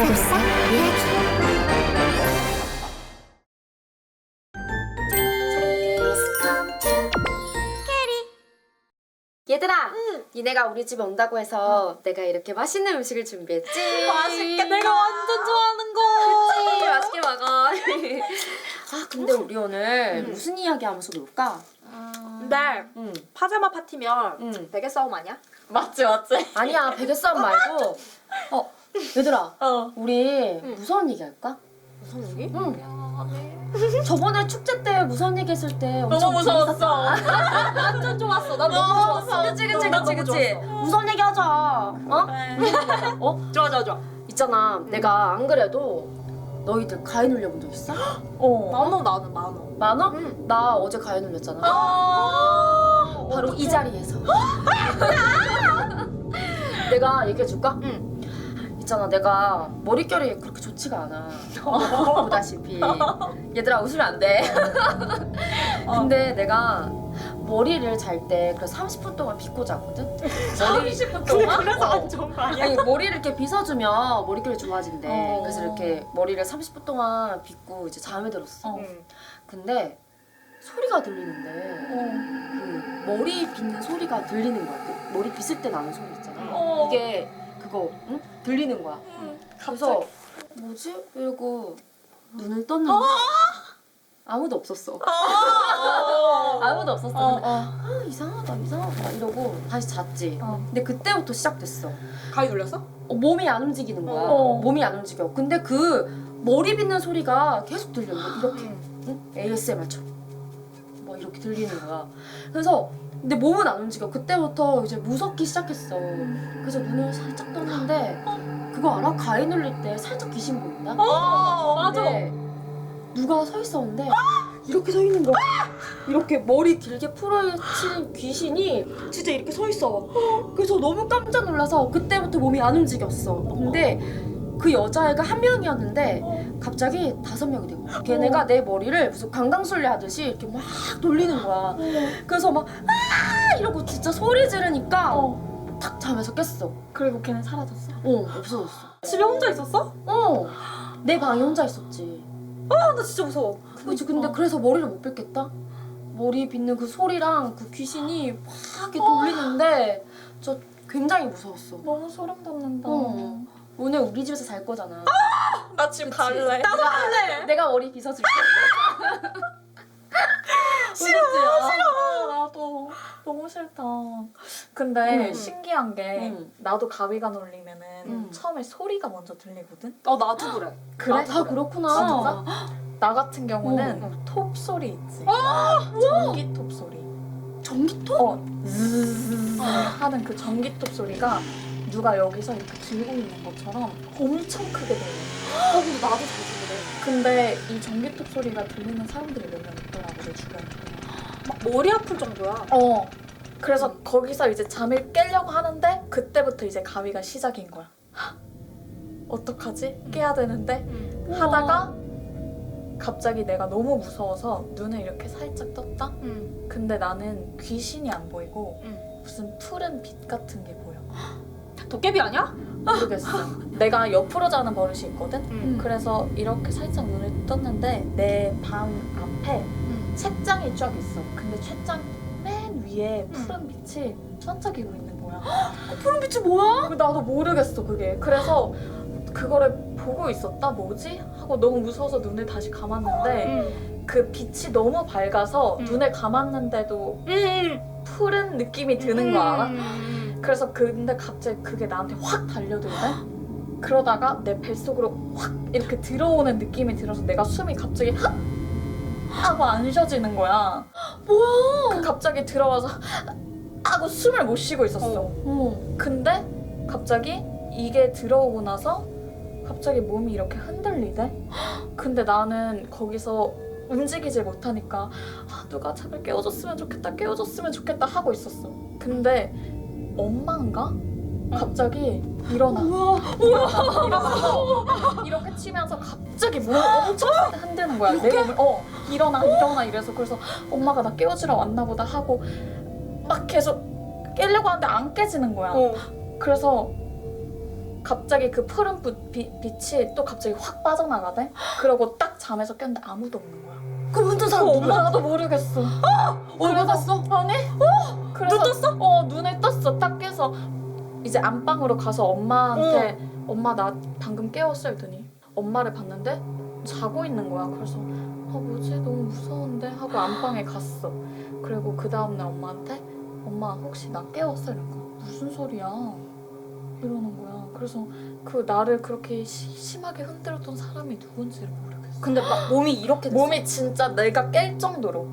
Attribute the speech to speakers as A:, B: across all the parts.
A: 불사 이야기.
B: 얘들아, 니네가 우리 집에 온다고 해서 내가 이렇게 맛있는 음식을 준비했지.
C: 맛있게 내가 완전 좋아하는 거.
B: 그치, 맛있게 먹어. 아, 근데 우리 오늘 무슨 이야기 하면서 놀까?
C: 근데
B: 응.
C: 파자마 파티면
B: 응.
C: 베개 싸움 아니야?
D: 맞지.
B: 아니야, 베개 싸움 말고. 얘들아, 우리
C: 응.
B: 무서운 얘기 할까?
C: 무슨 얘기?
B: 응. 저번에 축제 때 무서운 얘기 했을 때 엄청
D: 너무 무서웠어.
B: 재밌었잖아.
C: 완전 좋았어. 난
D: 너무
C: 너무 좋았어.
D: 좋았어.
B: 그치,
C: 난 너무
B: 그치.
C: 좋았어.
B: 무서운 얘기 하자. 어?
C: 좋아.
B: 있잖아, 내가 안 그래도 너희들 가위 눌려본 적 있어?
C: 나는 만원.
B: 많아?
C: 응.
B: 나 어제 가위 눌렸잖아. 바로 이 자리에서. 내가 얘기해줄까?
C: 응.
B: 있잖아, 내가 머릿결이 그렇게 좋지가 않아. 보다시피. 얘들아, 웃으면 안 돼. 근데 내가 머리를 잘 때 그래서 30분 동안 빗고 자거든?
D: 30분 동안?
C: 그래서 안 좋은 거 아니야?
B: 아니, 머리를 이렇게 빗어주면 머릿결이 좋아진대.
C: 어.
B: 그래서 이렇게 머리를 30분 동안 빗고 이제 잠에 들었어.
C: 응.
B: 근데 소리가 들리는데 그 머리 빗는 소리가 들리는 거야. 그 머리 빗을 때 나는 소리 있잖아. 이게 그거 응? 들리는 거야. 그래서 뭐지? 이러고 눈을 떴는데 아무도 없었어. 아무도 없었어. 근데 이상하다 이러고 다시 잤지. 근데 그때부터 시작됐어.
C: 가위 눌렸어?
B: 몸이 안 움직이는 거야. 몸이 안 움직여. 근데 그 머리 빗는 소리가 계속 들려. 이렇게 응? ASMR처럼 막 이렇게 들리는 거야. 그래서 근데 몸은 안 움직여. 그때부터 이제 무섭기 시작했어. 그래서 눈을 살짝 떴는데 그거 알아? 가위 눌릴 때 살짝 귀신 보인다?
C: 맞아.
B: 근데 누가 서 있었는데 이렇게 서 있는 거야. 이렇게 머리 길게 풀어헤친 귀신이 진짜 이렇게 서 있어. 그래서 너무 깜짝 놀라서 그때부터 몸이 안 움직였어. 근데 그 여자애가 한 명이었는데 갑자기 5명이 된 거야. 걔네가 내 머리를 무슨 강강술래 하듯이 이렇게 막 돌리는 거야. 그래서 막 아 이러고 진짜 소리 지르니까 탁 잠에서 깼어.
C: 그리고 걔는 사라졌어.
B: 없어졌어.
C: 집에 혼자 있었어?
B: 내 방에 혼자 있었지.
C: 나 진짜 무서워.
B: 그치. 근데 그래서 머리를 못 빗겠다? 머리 빗는 그 소리랑 그 귀신이 막 이렇게 돌리는데 저 굉장히 무서웠어.
C: 너무 소름 돋는다.
B: 오늘 우리 집에서 잘 거잖아.
D: 나 지금
B: 그치?
D: 갈래.
C: 나도 갈래.
B: 내가 머리 빗어줄게.
C: 싫어. 나도 너무 싫다. 근데
B: 응.
C: 신기한 게
B: 응.
C: 나도 가위가 눌리면은
B: 응.
C: 처음에 소리가 먼저 들리거든.
D: 나도 그래.
C: 그래?
B: 아, 다 그렇구나.
C: 진짜? 나 같은 경우는
B: 응.
C: 톱 소리 있지. 전기 톱 소리.
B: 전기톱?
C: 즈즈즈 하는 그 전기 톱 소리가 누가 여기서 이렇게 들고 있는 것처럼 엄청 크게 들려.
B: 근데 나도 자주 그래.
C: 근데 이 전기 톱 소리가 들리는 사람들이 몇 명 있더라고 내 주변에.
D: 막 머리 아플 정도야.
C: 그래서 거기서 이제 잠을 깨려고 하는데 그때부터 이제 가위가 시작인 거야. 어떡하지? 깨야 되는데 하다가 갑자기 내가 너무 무서워서 눈을 이렇게 살짝 떴다? 근데 나는 귀신이 안 보이고 무슨 푸른 빛 같은 게 보여.
D: 도깨비 아니야?
C: 모르겠어. 내가 옆으로 자는 버릇이 있거든?
D: 응.
C: 그래서 이렇게 살짝 눈을 떴는데 내 방 앞에 책장이 쫙 있어. 근데 책장 맨 위에 푸른 빛이 반짝이고 있는 거야.
B: 푸른 빛이 뭐야?
C: 나도 모르겠어 그게. 그래서 그거를 보고 있었다. 뭐지? 하고 너무 무서워서 눈을 다시 감았는데 그 빛이 너무 밝아서 눈을 감았는데도 푸른 느낌이 드는 거 알아? 그래서 근데 갑자기 그게 나한테 확 달려들래? 그러다가 내 뱃속으로 확 이렇게 들어오는 느낌이 들어서 내가 숨이 갑자기 헉! 하고 안 쉬어지는 거야.
B: 뭐야?
C: 갑자기 들어와서 하고 숨을 못 쉬고 있었어. 근데 갑자기 이게 들어오고 나서 갑자기 몸이 이렇게 흔들리대? 근데 나는 거기서 움직이질 못하니까 누가 잠을 깨워줬으면 좋겠다 하고 있었어. 근데 엄마인가? 갑자기 일어나. 일어나서 이렇게 치면서 갑자기 몸을 엄청 흔드는 거야. 내 몸을 일어나 이래서. 그래서 엄마가 나 깨워주러 왔나 보다 하고 막 계속 깨려고 하는데 안 깨지는 거야. 그래서 갑자기 그 푸른 빛이 또 갑자기 확 빠져나가대. 그러고 딱 잠에서 깼는데 아무도 없는 거야.
B: 그럼 혼자 사람 누구야?
C: 나도 모르겠어.
B: 얼마 봤어?
C: 아니? 그래서 눈 떴어? 눈을 떴어. 딱 깨서 이제 안방으로 가서 엄마한테 엄마 나 방금 깨웠어 했더니 엄마를 봤는데 자고 있는 거야. 그래서 뭐지? 너무 무서운데? 하고 안방에 갔어. 그리고 그 다음날 엄마한테 엄마 혹시 나 깨웠어? 이러니까 무슨 소리야? 이러는 거야. 그래서 그 나를 그렇게 심하게 흔들었던 사람이 누군지를 모르겠어.
D: 근데 막 몸이 이렇게 됐어.
C: 몸이 진짜 내가 깰 정도로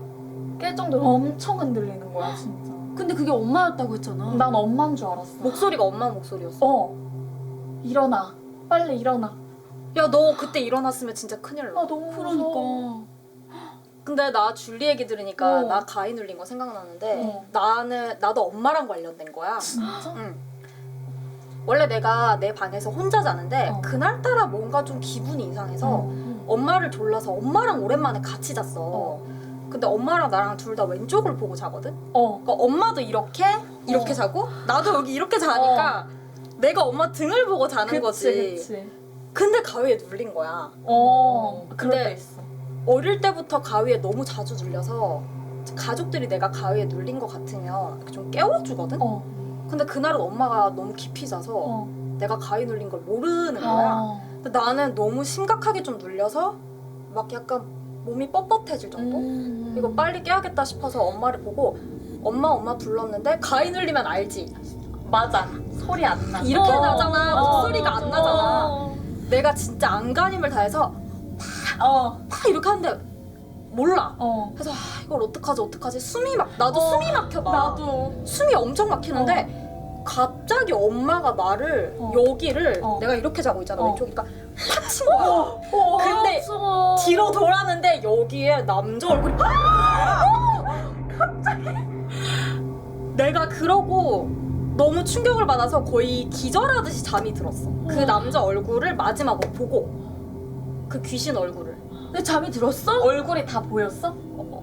C: 엄청 흔들리는 거야 진짜.
B: 근데 그게 엄마였다고 했잖아.
C: 난 엄마인 줄 알았어.
D: 목소리가 엄마 목소리였어.
C: 일어나. 빨리 일어나.
D: 야, 너 그때 일어났으면 진짜 큰일 나.
C: 너무
B: 그러니까.
D: 근데 나 줄리 얘기 들으니까
C: 어.
D: 나 가위 눌린 거 생각나는데
C: 어.
D: 나도 엄마랑 관련된 거야.
C: 진짜?
D: 응. 원래 내가 내 방에서 혼자 자는데 그날따라 뭔가 좀 기분이 이상해서 엄마를 졸라서 엄마랑 오랜만에 같이 잤어. 근데 엄마랑 나랑 둘 다 왼쪽을 보고 자거든? 그러니까 엄마도 이렇게 자고 나도 여기 이렇게 자니까 내가 엄마 등을 보고 자는 거지.
C: 그치.
D: 근데 가위에 눌린 거야.
C: 그럴
D: 근데
C: 때 있어.
D: 어릴 때부터 가위에 너무 자주 눌려서 가족들이 내가 가위에 눌린 것 같으면 이렇게 좀 깨워주거든? 근데 그날은 엄마가 너무 깊이 자서 내가 가위 눌린 걸 모르는 거야. 근데 나는 너무 심각하게 좀 눌려서 막 약간 몸이 뻣뻣해질 정도? 이거 빨리 깨야겠다 싶어서 엄마를 보고 엄마 불렀는데 가위 눌리면 알지?
C: 맞아. 소리 안 나.
D: 이렇게 나잖아. 목소리가 안
C: 맞아.
D: 나잖아. 내가 진짜 안간힘을 다해서 막 이렇게 하는데 몰라. 그래서 이걸 어떡하지? 숨이 숨이 막혀 막.
C: 나도.
D: 숨이 엄청 막히는데 갑자기 엄마가 나를 여기를 내가 이렇게 자고 있잖아. 왼쪽이니까 팍 친 거야. 근데 뒤로 돌았는데 여기에 남자 얼굴이 갑자기 내가 그러고 너무 충격을 받아서 거의 기절하듯이 잠이 들었어. 그 남자 얼굴을 마지막으로 보고 그 귀신 얼굴을.
B: 근데 잠이 들었어?
C: 얼굴이 다 보였어?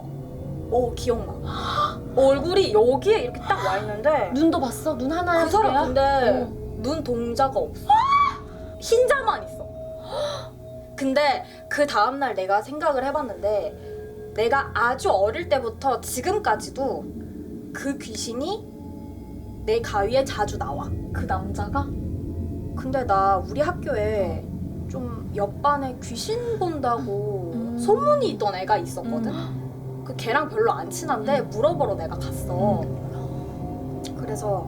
D: 기억나. 얼굴이 여기에 이렇게 딱 와 있는데
B: 눈도 봤어? 눈 하나야?
D: 그 사람
B: 두 개야?
D: 근데 눈 동자가 없어. 흰자만 있어. 근데 그 다음날 내가 생각을 해봤는데 내가 아주 어릴 때부터 지금까지도 그 귀신이 내 가위에 자주 나와.
C: 그 남자가?
D: 근데 나 우리 학교에 좀 옆반에 귀신 본다고 소문이 있던 애가 있었거든. 그 걔랑 별로 안 친한데 물어보러 내가 갔어. 그래서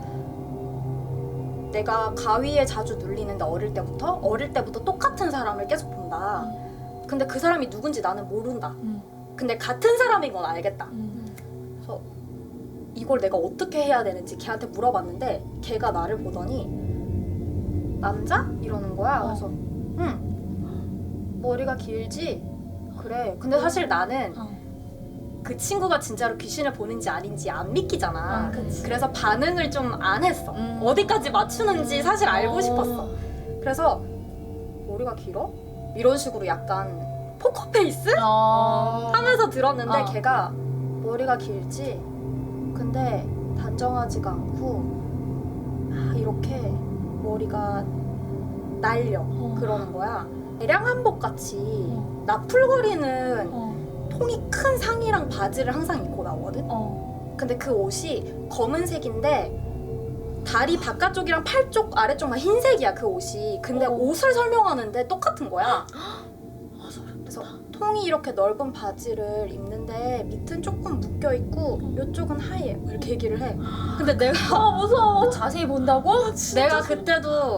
D: 내가 가위에 자주 눌리는데 어릴 때부터 똑같은 사람을 계속 본다. 근데 그 사람이 누군지 나는 모른다. 근데 같은 사람인 건 알겠다. 그래서 이걸 내가 어떻게 해야 되는지 걔한테 물어봤는데 걔가 나를 보더니 남자? 이러는 거야. 그래서 응. 머리가 길지? 그래. 근데 사실 나는 그 친구가 진짜로 귀신을 보는지 아닌지 안 믿기잖아. 그래서 반응을 좀 안 했어. 어디까지 맞추는지 사실 알고 싶었어. 그래서 머리가 길어? 이런 식으로 약간 포커페이스? 하면서 들었는데 걔가 머리가 길지? 근데 단정하지가 않고 이렇게 머리가 날려 그러는 거야. 대량 한복 같이 나풀거리는 통이 큰 상의랑 바지를 항상 입고 나오거든? 근데 그 옷이 검은색인데 다리 바깥쪽이랑 팔 쪽 아래쪽만 흰색이야 그 옷이. 근데 옷을 설명하는데 똑같은 거야. 그래서 통이 이렇게 넓은 바지를 입는데 밑은 조금 묶여있고 이쪽은 하얘 이렇게 얘기를 해. 근데 내가
B: 무서워. 자세히 본다고?
D: 내가 그때도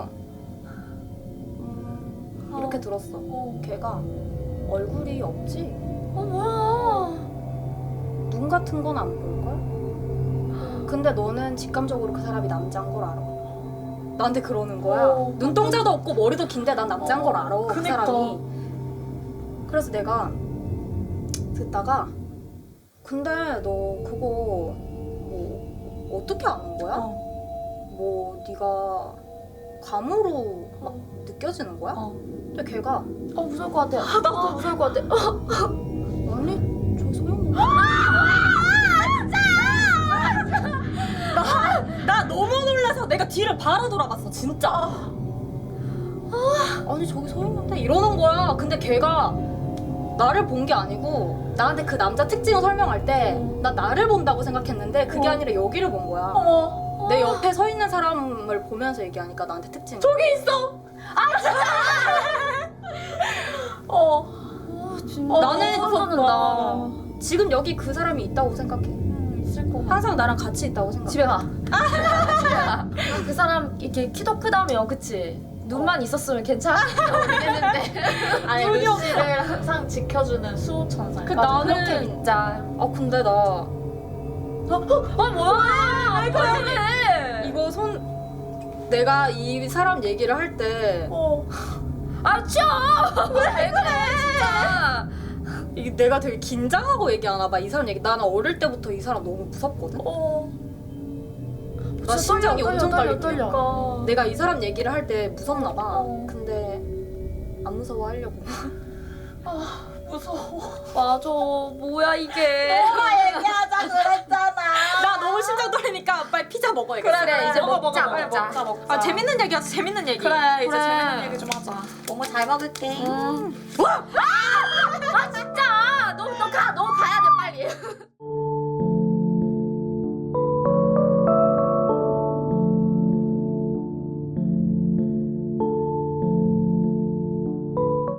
D: 이렇게 들었어. 걔가 얼굴이 없지?
B: 뭐야.
D: 눈 같은 건 안 보일걸? 근데 너는 직감적으로 그 사람이 남자인 걸 알아. 나한테 그러는 거야. 눈동자도 없고 머리도 긴데 난 남자인 걸 알아. 그
C: 그니까.
D: 사람이. 그래서 내가 듣다가 근데 너 그거 뭐 어떻게 아는 거야? 뭐 네가 감으로 막 느껴지는 거야? 근데 걔가
B: 무서울 것 같아. 나도 무서울 것 같아.
D: 아니 저 소영 나 너무 놀라서 내가 뒤를 바로 돌아봤어 진짜. 아니 저기 서 있는데 이러는 거야. 근데 걔가 나를 본 게 아니고 나한테 그 남자 특징을 설명할 때 나 나를 본다고 생각했는데 그게 아니라 여기를 본 거야.
C: 어머.
D: 내 옆에 서 있는 사람을 보면서 얘기하니까 나한테 특징.
C: 저기 있어.
B: 진짜.
D: 나는
B: 무섭다.
D: 지금 여기 그 사람이 있다고 생각해.
C: 있을 것 같아.
D: 항상 나랑 같이 있다고 생각해.
B: 집에 가. 집에 가. 그 사람 이렇게 키도 크다며, 그치? 눈만 있었으면 괜찮았는데.
C: 아니
D: 눈이
C: 루시를 항상 지켜주는 수호천사.
D: 그
B: 맞아,
D: 나는-
B: 그렇게 믿자.
D: 아 근데 나
B: 뭐야? 왜 그래?
D: 이거 내가 이 사람 얘기를 할 때
B: 아, 치워! 왜 그래, 진짜.
D: 이게 내가 되게 긴장하고 얘기하나 봐. 이 사람 얘기. 나는 어릴 때부터 이 사람 너무 무섭거든. 나 심장이 엄청
B: 떨려.
D: 떨리니까. 내가 이 사람 얘기를 할 때 무섭나 봐.
C: 어.
D: 근데 안 무서워하려고.
C: 무서워.
B: 맞아. 뭐야, 이게.
C: 얘기하자 그랬잖아.
D: 나 너무 심장 떨리니까 빨리 피자 먹어야겠어.
B: 그래, 이제 먹자.
C: 먹자.
D: 아 재밌는 얘기 하자. 재밌는 얘기.
C: 그래 이제
B: 그래.
C: 재밌는 얘기 좀 하자.
D: 너무 잘 먹을게.
B: 아, 진짜. 너 가야 돼, 빨리.